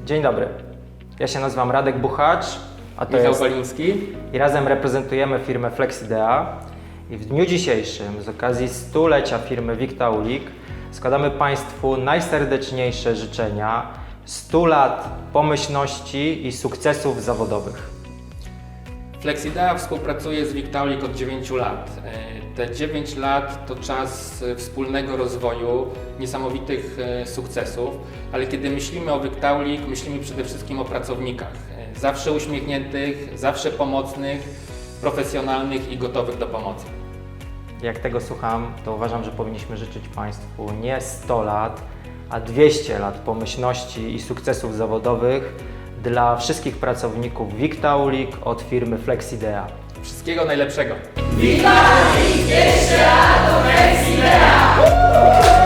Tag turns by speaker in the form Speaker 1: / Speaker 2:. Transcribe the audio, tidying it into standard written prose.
Speaker 1: Dzień dobry, ja się nazywam Radek Buchacz, a to
Speaker 2: Michał
Speaker 1: jest...
Speaker 2: Baliński.
Speaker 1: I razem reprezentujemy firmę Flexidea. I w dniu dzisiejszym, z okazji stulecia firmy Victaulic, składamy Państwu najserdeczniejsze życzenia 100 lat pomyślności i sukcesów zawodowych.
Speaker 2: Flexidea współpracuje z Victaulic od 9 lat. Te 9 lat to czas wspólnego rozwoju, niesamowitych sukcesów, ale kiedy myślimy o Victaulic, myślimy przede wszystkim o pracownikach. Zawsze uśmiechniętych, zawsze pomocnych, profesjonalnych i gotowych do pomocy.
Speaker 1: Jak tego słucham, to uważam, że powinniśmy życzyć Państwu nie 100 lat, a 200 lat pomyślności i sukcesów zawodowych dla wszystkich pracowników Victaulic od firmy Flexidea.
Speaker 2: Wszystkiego najlepszego!
Speaker 3: Victaulic, jeszcze raz do Flexidea!